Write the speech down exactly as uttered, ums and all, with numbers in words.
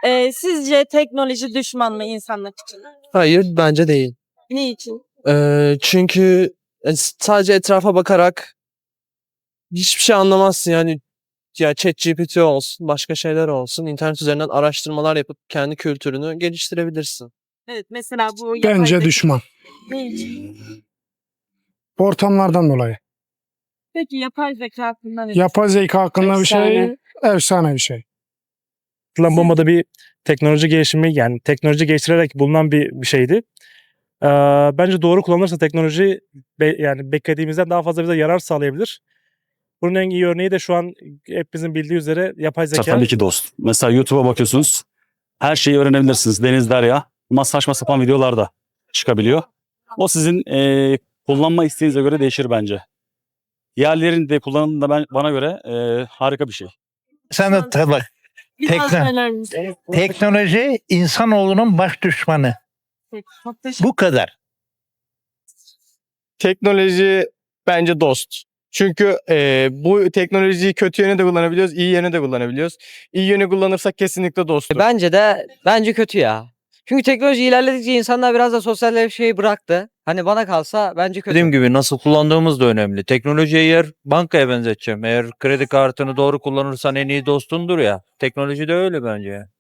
Ee, sizce teknoloji düşman mı insanlık için? Hayır, bence değil. Niçin? Ee, çünkü e, sadece etrafa bakarak hiçbir şey anlamazsın yani. Ya ChatGPT olsun, başka şeyler olsun, internet üzerinden araştırmalar yapıp kendi kültürünü geliştirebilirsin. Evet, mesela bu yapay Bence zeka- düşman. Niçin? Ortamlardan dolayı. Peki yapay zeka hakkında ne Yapay zeka hakkında bir şey Efsane. efsane bir şey. Atılan bombada bir teknoloji gelişimi, yani teknoloji geliştirerek bulunan bir, bir şeydi. Ee, bence doğru kullanılırsa teknoloji be- yani beklediğimizden daha fazla bize yarar sağlayabilir. Bunun en iyi örneği de şu an hepimizin bildiği üzere yapay zeka. Tabii ki dost. Mesela YouTube'a bakıyorsunuz. Her şeyi öğrenebilirsiniz. Deniz derya. Ama saçma sapan videolar da çıkabiliyor. O sizin eee, kullanma isteğinize göre değişir bence. Yerlerin de kullanımı da ben, bana göre eee, harika bir şey. Sen de tabii. Bir daha tekno- söyler misiniz? Teknoloji insanoğlunun baş düşmanı. Peki, çok teşekkür Bu kadar. Teknoloji bence dost. Çünkü e, bu teknolojiyi kötü yöne de kullanabiliyoruz, iyi yöne de kullanabiliyoruz. İyi yöne kullanırsak kesinlikle dosttur. Bence de bence kötü ya. Çünkü teknoloji ilerledikçe insanlar biraz da sosyalleşmeyi bıraktı. Hani bana kalsa bence kötü. Dediğim gibi nasıl kullandığımız da önemli. Teknolojiyi eğer bankaya benzeteceğim. Eğer kredi kartını doğru kullanırsan en iyi dostundur ya. Teknoloji de öyle bence.